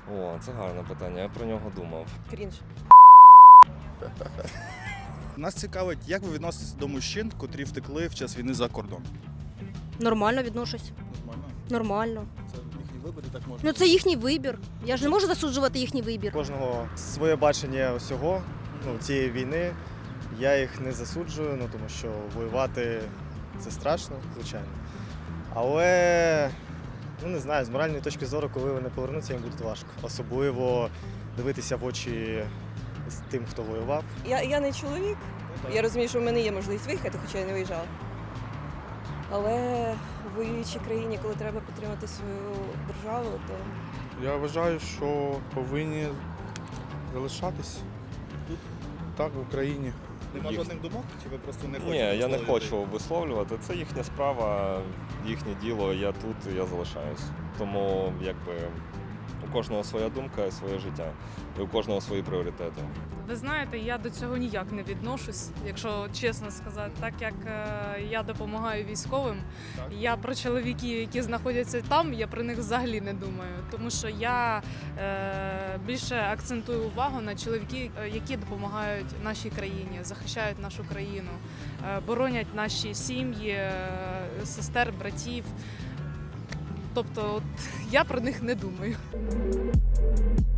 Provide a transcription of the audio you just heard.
О, це гарне питання, я про нього думав. Крінж. Нас цікавить, як ви відноситесь до мужчин, котрі втекли в час війни за кордон? Нормально відношусь. Нормально. Нормально. Це їхній вибір і так можна. Ну це їхній вибір. Я ж не можу засуджувати їхній вибір. Кожного своє бачення всього, цієї війни. Я їх не засуджую, тому що воювати це страшно, звичайно. Але, не знаю, з моральної точки зору, коли вони повернуться, їм буде важко. Особливо дивитися в очі з тим, хто воював. Я не чоловік. Я розумію, що в мене є можливість виїхати, хоча я не виїжджала. Але в воюючій країні, коли треба підтримати свою державу, то Я вважаю, що повинні залишатись тут, так, в Україні. Нема жодних думок? Чи ви просто не хочете? Ні, я не висловлювати? хочу висловлювати. Це їхня справа, їхнє діло, я тут, я залишаюсь. Тому у кожного своя думка, своє життя, і у кожного свої пріоритети. Ви знаєте, я до цього ніяк не відношусь, якщо чесно сказати. Так як я допомагаю військовим, я про чоловіків, які знаходяться там, я про них взагалі не думаю. Тому що я більше акцентую увагу на чоловіків, які допомагають нашій країні, захищають нашу країну, боронять наші сім'ї, сестер, братів. Тобто я про них не думаю.